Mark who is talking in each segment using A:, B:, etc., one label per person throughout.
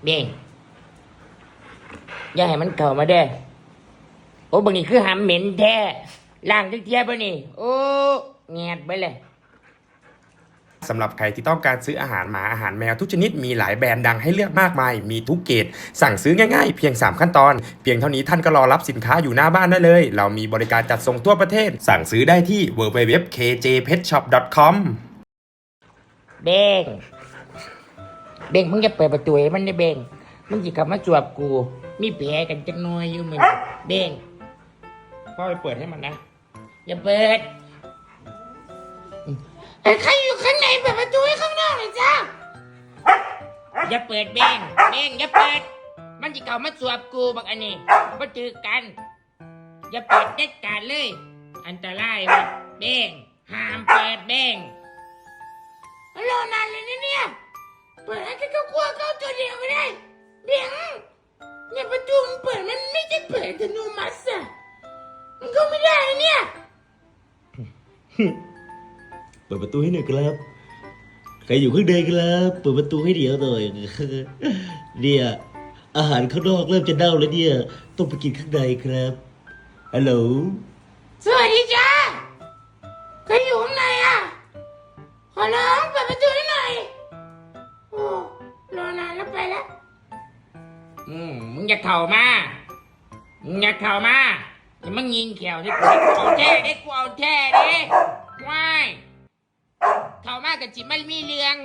A: เบ่งอย่าให้มันเข้ามาเด้อโอ้บางนี่คือหำเหม็นแท้ล่างเทียบป่ะนี่โอ้แงดไปเลย
B: สำหรับใครที่ต้องการซื้ออาหารหมาอาหารแมวทุกชนิดมีหลายแบรนด์ดังให้เลือกมากมายมีทุกเกรดสั่งซื้อง่ายๆเพียง3ขั้นตอนเพียงเท่านี้ท่านก็รอรับสินค้าอยู่หน้าบ้านได้เลยเรามีบริการจัดส่งทั่วประเทศสั่งซื้อได้ที่ www.kjpetshop.com
A: เบ่งมึงจะเปิดประตูให้มันได้เบ่งมึงจะกลับมาจวบกูมีแผลกันจังน้อยอยู่มึงเบ่งพ่อไปเปิดให้มันนะอย่าเปิดใครอยู่ข้างในเปิดประตูให้ข้างนอกเลยจ้าอย่าเปิดเบ่งอย่าเปิดมันจะเข้ามาจวบกูบักอันนี้มาเจอกันอย่าเปิดเด็ดขาดเลยอันตรายว่ะเบ่งห้ามเปิดเบ่งรอนานเลยเนี่ยเปิดให้เขากลัวเขาตัวเดียวก็ได้เบ่งเนี่ยประตูมันเปิดมันไม่ใช่เปิดอัตโนมัติอะมันก็ไม่ได้เนี่ย
C: เปิดประตูให้หน่อยครับใครอยู่ข้างในครับเปิดประตูให้เดี๋ยวหน่อยเนี่ยอาหารข้างนอกเริ่มจะเน่าแล้วเนี่ยต้องไปกินข้างในครับฮัลโหล
A: สวัสดีจ้าใครอยู่ข้างในอ่ะขอร้องเปิดประตูให้หน่อยโอ้รอนานแล้วไปแล้วมึงอย่าเข่ามาอย่ามึงยิงแขวที่กูเอาแท้ได้กูเอาแท้ดิว้ายเข่ามากกับจิมันมีเรื่อง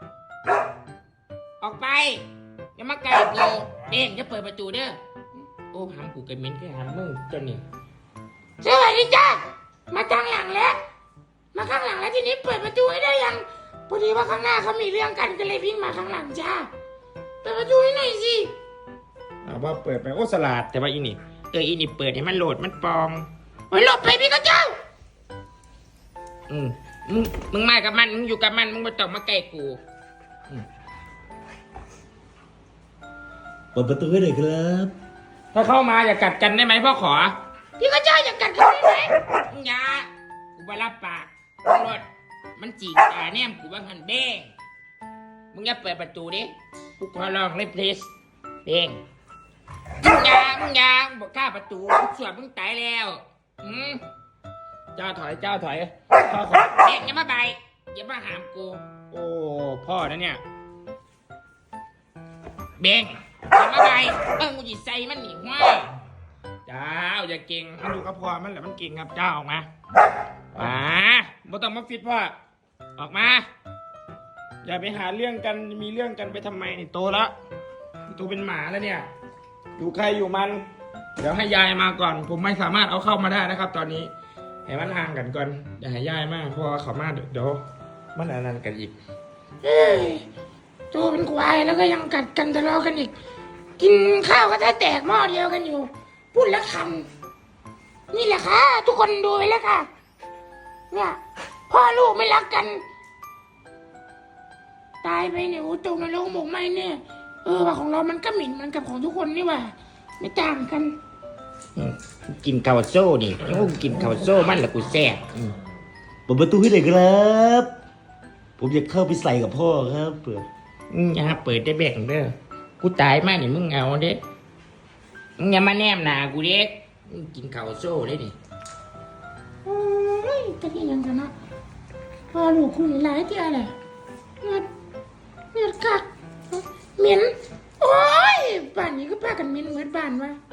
A: ออกไปอย่ามาไกลกูเด้งจะเปิดประตูเด้อโอ้หามกูกันเหม็นแค่หามมึงจนนี่สวัสดีจ้ามาข้างหลังแล้วทีนี้เปิดประตูให้ได้ยังพอดีว่าข้างหน้าเขามีเรื่องกันก็เลยวิ่งมาข้างหลังจ้าเปิดประตูให้หน่อยสิเอาว่าเปิดไปโอ้สลัดแต่ว่าอีนี่อีนี่เปิดให้มันโหลดมันปองโอ้ยหลบไปพี่ก็เจ้ามึงมากับมันมึงอยู่กับมันมึงไม่ต้องมาใกล้กู
C: เปิดประตูให้หน่อยครับ
A: ถ้าเข้ามาอย่ากัดกันได้ไหมพ่อขอพี่ก็เจ้าอย่ากัดกันได้ไหมอย่ากูไปรับปากรถมันจีกตาแนมกูว่าหันเบ้งมึงอย่าเปิดประตูดิกูขอลองเลย please เบ้งมึงอย่าบอกข้าประตูสวดมึงตายแล้วเจ้าถอยพ่อขอเบ้งอย่ามาใบอย่ามาหามกูโอ้พ่อนะเนี่ยเบ้งอย่ามาใบกูจะใส่มันหนีว่าเจ้าอย่าเก่งมันดูกับพ่อมันแหละมันเก่งครับเจ้าออกมาบ่ต้องมาฟิตพ่อออกมาอย่าไปหาเรื่องกันมีเรื่องกันไปทำไมนี่โตแล้วตัวเป็นหมาแล้วเนี่ยอยู่ใครอยู่มันเดี๋ยวให้ยายมาก่อนผมไม่สามารถเอาเข้ามาได้นะครับตอนนี้ให้มันห่างกันก่อนอย่าให้ยายมากเพราะว่าเขามาเดี๋ยวมันอันนั้นกันอีกตัวเป็นควายแล้วก็ยังกัดกันทะเลาะกันอีกกินข้าวก็แตกหม้อเดียวกันอยู่พูดแล้วคันนี่แหละค่ะทุกคนดูไปแล้วค่ะเนี่ยพ่อลูกไม่รักกันตายไปเนี่ยโอ้ตกนรกหมกไหมเนี่ยว่าของเรามันก็หมิ่นมันกับของทุกคนนี่ว่าไม่ต่างกันกินข้าวโซ่นี่กินข้าวโซ่มันละกูแซ่บ
C: เปิดประตูให้หน่อยครับผมอยากเข้าไปใส่กับพ่อครับเปิด
A: อย่าเปิดได้แบ่งเด้อกูตายมากนี่มึงเอาเด้มึงอย่ามาแนมหนากูเด็กกินข้าวโซ่ได้ดิตะกี้ยังกันนะพอลูกคุณหลายที่อะไรเงือดกักเหม็นโอ้ยบ้านนี้ก็พากันเหม็นเหมือนบ้านวะ